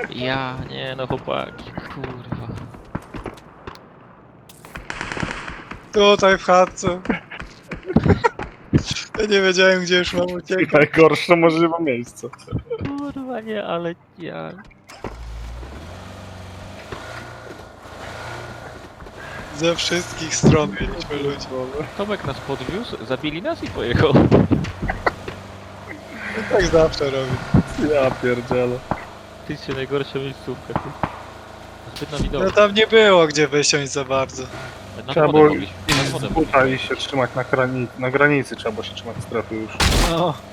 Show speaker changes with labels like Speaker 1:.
Speaker 1: Ja, nie no chłopaki, kurwa.
Speaker 2: Tutaj w chatce. Ja nie wiedziałem, gdzie już mam uciekać.
Speaker 3: Najgorsze możliwe miejsce.
Speaker 1: Kurwa nie, ale ja...
Speaker 2: Ze wszystkich stron mieliśmy ludzi.
Speaker 1: Tomek nas podwiózł, zabili nas i pojechał.
Speaker 2: I tak zawsze robi.
Speaker 3: Ja pierdzielę.
Speaker 1: Ty się najgorsza miejscówka, ty. Zbyt na widok.
Speaker 2: No tam nie było gdzie wysiąść za bardzo.
Speaker 1: Nad
Speaker 3: Trzeba
Speaker 1: wodę
Speaker 3: było
Speaker 1: mogliśmy, nad
Speaker 3: iść
Speaker 1: wodę
Speaker 3: z buta i
Speaker 1: mogliśmy.
Speaker 3: się trzymać na granicy trzeba było się trzymać strefy już.
Speaker 2: No.